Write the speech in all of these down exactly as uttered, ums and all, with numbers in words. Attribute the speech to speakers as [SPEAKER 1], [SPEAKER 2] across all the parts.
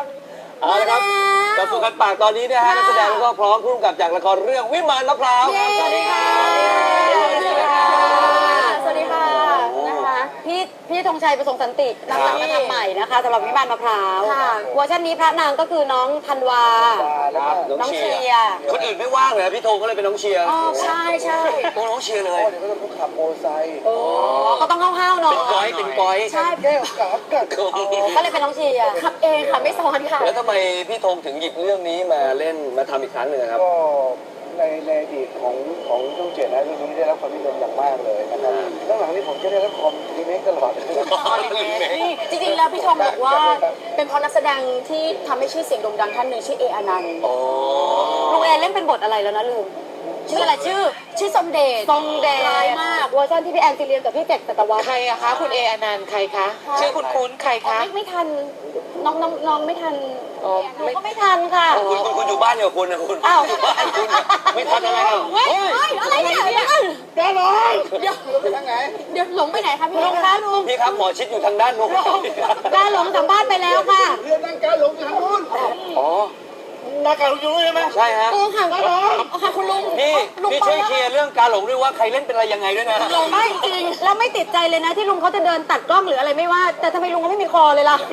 [SPEAKER 1] เอาละครับกับสุกันปากตอนนี้นะฮะนักแสดงแล้วก็พร้อมพุ่งกับจากละครเรื่องวิมานมะพร้าวครับสวัสดีค่ะสวัสดีค่ะ
[SPEAKER 2] สวัสดีค่ะนะคะพี่พี่ธงชัยประสงค์สันตินำหลังมาทำใหม่นะคะสำหรับวิมานมะพร้าวเวอร์ชันนี้พระนางก็คือน้องธันวาน้องเชียร์
[SPEAKER 1] คนอื่นไม่ว่างเลยพี่ธงก็เลยเป็นน้องเชียร์
[SPEAKER 2] อ๋อใช่ใช่
[SPEAKER 1] ตัวน้องเชียร์เลย
[SPEAKER 3] เดี๋ยวก็ต้องขับโมไซค์
[SPEAKER 2] โอ้ก็ต้องห้าวๆหน่อย
[SPEAKER 1] เป็นก้อยเป็นก้อย
[SPEAKER 2] ใช่
[SPEAKER 3] แก้วกับกับ
[SPEAKER 2] ก็เลยเป็นน้องเชียร์ขับเองค่ะไม่ซ้อนค่ะ
[SPEAKER 1] แล้วทำไมพี่ธงถึงหยิบเรื่องนี้มาเล่นมาทำอีกครั้งหนึ่งครับ
[SPEAKER 3] ก็ในในอดีตของของช่องเจ็ดนะเรื่องนี้ได้รับความนิยมอย่างมากเลยนะครับแล้วหลังนี้ผมจะได้รับความรีเมคตลอด
[SPEAKER 2] นี่จริงๆแล้วพี่ธงบอกว่าเป็นเพราะนักแสดงที่ทำให้ชื่อเสียงโด่งดังท่านหนึ่งชื่อเออนันต์ลุงเอเล่นเป็นบทอะไรแล้วนะลืมชื่ออะไรชื่อชื่อทรงเดชทรงเดชร้ายมากเวอร์ชันที่พี่แอนซีเรียนกับพี่เจ็กสัตวัฒน์
[SPEAKER 4] ใครอะคะคุณเออนันต์ใครคะชื่อคุณคุ้นใครคะ
[SPEAKER 2] ไม่ไม่ทันน้องน้องน้องไม่ทันหนูก็ไม่ทันค่ะ
[SPEAKER 1] คุณคุณคุณอยู่บ้านอยู่คุณนะคุณอยู่บ้านคุณไม่ทันอะไรอ่ะ
[SPEAKER 2] เฮ้ยอะไรเนี่ย
[SPEAKER 3] แกหลง
[SPEAKER 2] เดี๋ยว
[SPEAKER 3] ไปทางไหน
[SPEAKER 2] เดี๋ยวหลงไปไหนคะพี่ลุงคะลุง
[SPEAKER 1] พี่ครับหมอชิดอยู่ทางด้านนู้น
[SPEAKER 2] กาหลงสัมภาษณ์ไปแล้วค่ะ
[SPEAKER 3] เรื่องนั่งการหลงทางนู้น
[SPEAKER 1] อ๋อ
[SPEAKER 3] นักการหลงอยู่ใช่ไหม
[SPEAKER 1] ใช่ฮะ
[SPEAKER 2] โอ้ค่ะก็ร้องค่ะคุณลุง
[SPEAKER 1] พี่พี่ช่วยเคลียร์เรื่องการหลงด้วยว่าใครเล่นเป็นอะไรยังไงด้วยนะ
[SPEAKER 2] หลงไม่จริงแล้วไม่ติดใจเลยนะที่ลุงเขาจะเดินตัดกล้องหรืออะไรไม่ว่าแต่ทำไมลุงเขาไม่มีคอเลยล่ะ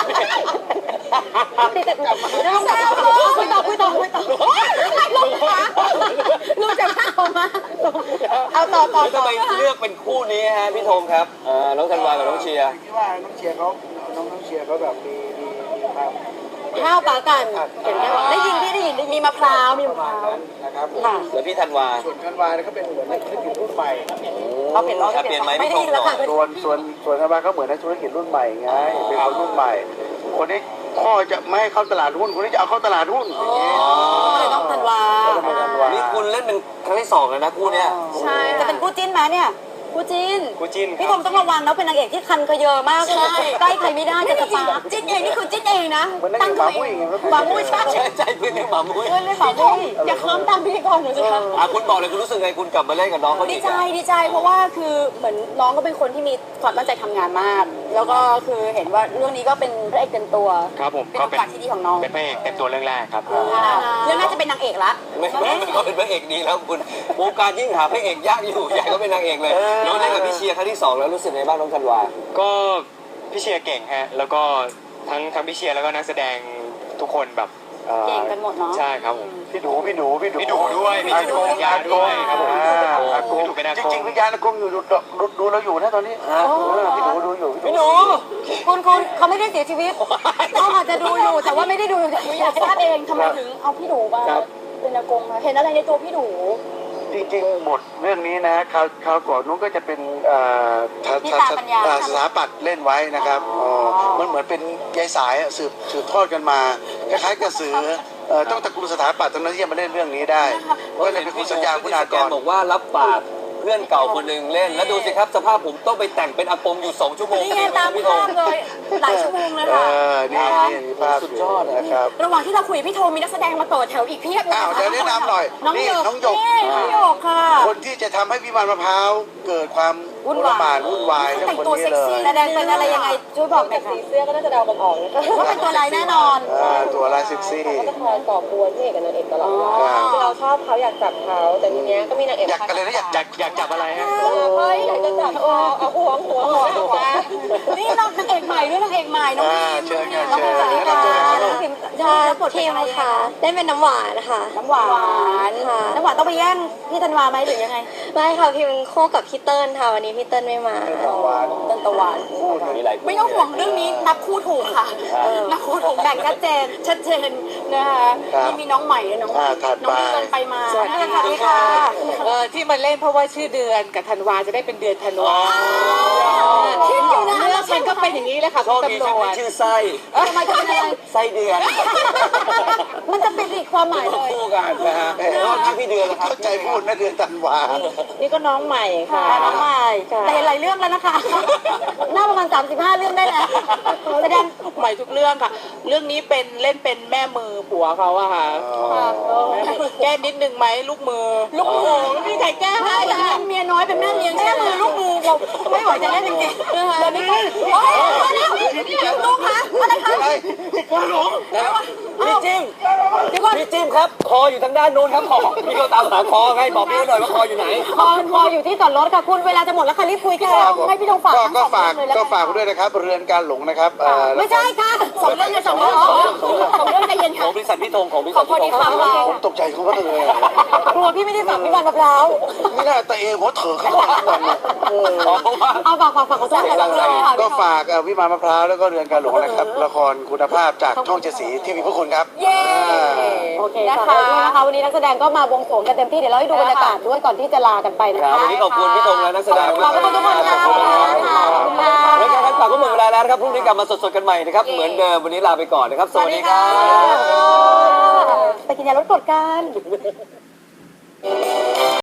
[SPEAKER 2] ติดแต่กลับมาลุงคุยต่อคุยต่อคุยต่อลุงคะลุงจะเข้ามาเอาต่อต่อ
[SPEAKER 1] ทำไมเลือกเป็นคู่นี้ฮะพี่ธงครับน้องธันวากับน้องเชียร์
[SPEAKER 3] ที่ว่าน้องเชียร์เขาน้องน้องเชียร์เขาแบบมีมีมีความ
[SPEAKER 2] ข้าวปลากันเห็นไหมว่าได้ยินพี่ได้ยินมีมะพร้าวมีมะพร้าว
[SPEAKER 3] นะครับ
[SPEAKER 2] ค่ะ
[SPEAKER 1] แล้วพี่ธันวา
[SPEAKER 3] ส่วนธันวาเนี่ยเขาเป็นเหมือนนักธุรกิจรุ่นใหม่
[SPEAKER 2] เขาเปลี่ยนร้อย
[SPEAKER 1] เปลี่ยนไหม
[SPEAKER 2] ไม่ได้ยินแล้วค่ะ
[SPEAKER 3] ส่วนส่วนส่วนธันวาเขาเหมือนนักธุรกิจรุ่นใหม่ไงเป็นคนรุ่นใหม่คนนี้พ่อจะไม่ให้เข้าตลาดหุ้นคนนี้จะเอาเข้าตลาดหุ้นอย่างนี้
[SPEAKER 2] เลยต้องธันวา
[SPEAKER 1] นี่คุณเล่นเป็นครั้งที่สองแล้วนะคู่เนี้ย
[SPEAKER 2] ใช่จะเป็นคู่จิ้นไหมเนี่ยคู่จิ้น
[SPEAKER 1] คู่จิ้น
[SPEAKER 2] พี่ธงต้องระวังนะเป็นนางเอกที่คันเยอะมากใช่ใกล้ใครไม่ได้จะสปาร์จิ้นเองนี่คือจิ้นเองนะ
[SPEAKER 3] ตั้งหมามุ้ย
[SPEAKER 2] หมามุ้ยใช่
[SPEAKER 1] ใช่เพื่อนเรียกหมามุ้ย
[SPEAKER 2] เพื่อนเรียกหมามุ้ยอย่าค้ำตามพี่กองหนูสิคะ
[SPEAKER 1] อ่ะคุณบอกเลยคุณรู้สึกไงคุณกลับมาเล่นกับน้องเขา
[SPEAKER 2] ดีใจดีใจเพราะว่าคือเหมือนน้องก็เป็นคนที่มีความตั้งใจทำงานมากแล้วก็คือเห็นว่าเรื่องนี้ก็เป็นพระเอกเต็มตัว
[SPEAKER 4] ครับผม
[SPEAKER 2] เป็นโอกาสที่ดีของน้อง
[SPEAKER 4] เป็นพระเอกเต็มตัวเรื่องแรกครับ
[SPEAKER 2] เรื่องน่าจะเป็นนางเอกละ
[SPEAKER 1] ไม่ไม่ก็เป็นพระเอกดีแล้วคุณวงการยิ่งหาพระเอกยากอยู่ใหญ่ก็เป็นนางเอกเลยน้องเล่นกับพี่เชียร์ครั้งที่สองแล้วรู้สึกไงบ้างน้องธันวา
[SPEAKER 4] ก็พี่เชียร์เก่งฮะแล้วก็ทั้งทั้งพี่เชียร์แล้วก็นักแสดงทุกคนแบบ
[SPEAKER 2] เก่งกันหมดเนาะ
[SPEAKER 4] ใช่ครับผม
[SPEAKER 3] พี่ดูพี่ดูพี่ดู
[SPEAKER 4] พี่ดูด้วยพี่ดูยาด้วยครับผม
[SPEAKER 3] จริงจริงพี่ยาคงอยู่ดูดูเราอยู่นะตอนนี้พี่ดูดูอยู่
[SPEAKER 1] พี่ดู
[SPEAKER 2] คุณคุณเขาไม่ได้เสียชีวิตเขาอาจจะดูอยู่แต่ว่าไม่ได้ดูอยากทราบเองทำไมถึงเอาพี่ดูมาเป็นอากงเห็นอะไรในตัวพี่ดู
[SPEAKER 3] จริงๆบทเรื่องนี้นะคราวคราวก่อนนู้นก็จะเป็นสถาปัตย์เล่นไว้นะครับมันเหมือนเป็นยายสายสืบสืบทอดกันมาคล้ายๆกระสือต้องตระกูลสถาปัตย์ตรงนั้นที่จะมาเล่นเรื่องนี้ได้ก็เลยเป็นคุณสัญญาคุณากร
[SPEAKER 1] บอกว่ารับปากเพื่อนเก่าคนหนึ่งเล่นแล้วดูสิครับสภาพผมต้องไปแต่งเป็นอากงอยู่สองชั่วโมง
[SPEAKER 2] นี่ตามภาพเลยหลายชั่วโมงเลยค่ะ
[SPEAKER 3] นี่นี่ภาพ
[SPEAKER 1] สุดยอดนะครับ
[SPEAKER 2] ระหว่างที่เราคุยพี่โทมีนักแสดงมาต่อแถวอีกเพียบเลย
[SPEAKER 3] อ้าวเดี๋ยวแนะนำหน่อย
[SPEAKER 2] น้องหยกน้องหยกน้องหยกค่ะ
[SPEAKER 3] คนที่จะทำให้วิมานมะพร้าวเกิดความวุ่นวายวุ่นวาย
[SPEAKER 2] แต่งตัวเซ็กซี่แสดงเป็นอะไรยังไงช่วยบอกหน่อยค่ะสีเสื้อก็น่าจะเดากันออกว่าเป็นตัวลายแน่นอน
[SPEAKER 3] ตัวลายเซ็กซี่
[SPEAKER 5] เขาจะคอยก่อกวนพี่เอกกับนางเอกตลอดคือเราชอบเขาอยากจับเขาแต่ทีเนี้ยก็มีนางเอก
[SPEAKER 3] อยากกันเลยนะอยาก
[SPEAKER 4] อยากอยากจับอะไรฮะ
[SPEAKER 5] เฮ้ยอยากจะจับเอาเอาหัวหัวหัวหัว
[SPEAKER 2] นี่น้องนางเอกใหม่ด้วยนางเอกใหม่น้องพิม
[SPEAKER 3] เชิญเชิญ
[SPEAKER 2] สวัสดีค่ะน้องพิมใช่
[SPEAKER 5] แล้วบทเพลงอะไรคะได้เป็นน้ำหวานค่ะ
[SPEAKER 2] น้ำหวานค่ะน้ำหวานต้องไปแย่งพี่ธันวาไหมหรือยังไง
[SPEAKER 5] ไม่ค่ะพิมคู่กับพี่เติ้ลค่ะวันนี้พี่เติ้ลไม่มา
[SPEAKER 2] เติ้ลตะวันไม่ต้องห่วงเรื่องนี้นับคู่ถูกค่ะนับคู่ถูกแบ่งชัดเจนชัดเจนนะคะนี่มีน้องใหม่เลยน้องน้องเดินไปมา
[SPEAKER 4] สวัสดีค่ะเออที่มาเล่นเพราะว่าชื่อเดือนกับธันวาจะได้เป็นเดือนธันวา
[SPEAKER 2] คิดอยู่นะ
[SPEAKER 4] เรื่องมันก็เป็นอย่างนี้แหละค่ะ
[SPEAKER 1] ชอบมีชื่อไส้
[SPEAKER 2] ทำไมจะเป็นอะไร
[SPEAKER 1] ไส้เดือน
[SPEAKER 2] มันจะเป็นอีกความหมายเลย
[SPEAKER 1] คู่กันนะฮะแล้วทั้งพี่เดือนนะครับ
[SPEAKER 3] เข้าใจพูดนะเดือนธันวา
[SPEAKER 5] นี่ก็น้องใหม่ค่ะ
[SPEAKER 2] น้องใหม่แต่หลายเรื่องแล้วนะคะน่าประมาณสามสิบห้าเรื่องได้แล้วแสดง
[SPEAKER 4] ใหม่ทุกเรื่องค่ะ
[SPEAKER 6] เรื่องนี้เป็นเล่นเป็นแม่มือผัวเขาอะค่ะแก้นิดนึงไหมลูกมือ ลูกมือไม่มีใครแก้ให้
[SPEAKER 2] เป็น
[SPEAKER 6] ค่ะ
[SPEAKER 2] เมียน้อยเป็นแม่เลี้ยงแม่มือลูกมือผมไม่ไหวจะเล่นจริงๆนะคะแล้วนี่ก็โอ้ยมาแล้วลูกคะอะไรคะ
[SPEAKER 1] พี่จิ้มพี่จิ้มครับ คออยู่ทางด้านโน้นครับคอพี่ก็ตามหาคอไงบอกพี่หน่อยว่าคออยู่ไหน
[SPEAKER 2] คอคออยู่ที่จอดรถค่ะคุณเวลาจะหมดแล้วค่ะรีบคุยค่ะให้พี่ธงฝาก
[SPEAKER 3] ก็
[SPEAKER 2] ทั้ง
[SPEAKER 3] ก็
[SPEAKER 2] สอง
[SPEAKER 3] ฝาก
[SPEAKER 2] เรื่องเลยแล้ว
[SPEAKER 3] ก็
[SPEAKER 2] กัน
[SPEAKER 3] ฝากไว้ด้วยนะครับเรือนการหลงนะครับเอ่อ
[SPEAKER 2] ไม่ใช่ค่ะสองเรื่องเลยสองเรื่องสองเรื่องใจเย็น
[SPEAKER 1] ข
[SPEAKER 2] ค่ะ
[SPEAKER 1] องบริษัทพี่ธงของบริ
[SPEAKER 2] ข
[SPEAKER 1] ษั
[SPEAKER 2] อ
[SPEAKER 1] ท
[SPEAKER 2] พอ
[SPEAKER 1] พี่
[SPEAKER 2] ดี
[SPEAKER 1] ธง
[SPEAKER 2] ฟังเรา
[SPEAKER 3] ผมตกใจเขาก็เลย
[SPEAKER 2] กลัวพี่ไม่ได้ฝากพี่วันมะพร้าว
[SPEAKER 3] นี่น่าตะเองหัวเถอะขึ้นมาทุกวันเลย
[SPEAKER 1] เพราะว่า
[SPEAKER 2] เอาฝากฝากฝากขอโทษค่ะ
[SPEAKER 3] ก็ฝากเอ่อวิมานมะพร้าวแล้วก็เรือนการหลงนะครับละครคุณภาพจากช่องเจ็ดสีที่มีพระคุณครับ
[SPEAKER 2] เย้โอเคนะคะนะคะวันนี้นักแสดงก็มาบวงสรวงกันเต็มที่เดี๋ยวเราให้ดูบรรยากาศด้วยก่อนที่จะลากันไปนะ
[SPEAKER 1] ครับ
[SPEAKER 2] คะ
[SPEAKER 1] วันนี้ขอบคุณพี่ธงและนักแสดง
[SPEAKER 2] ขอบคุณทุกคนค่ะ
[SPEAKER 1] ขอบคุณครับ
[SPEAKER 2] ขอบคุณค่ะ
[SPEAKER 1] รายการคัดปากก็หมดเวลาแล้วนะครับพรุ่งนี้กลับมาสดๆกันใหม่นะครับเหมือนเดิมวันนี้ลาไปก่อนนะครับสวัสดีครับ
[SPEAKER 2] ไปกินยาลดกรดกัน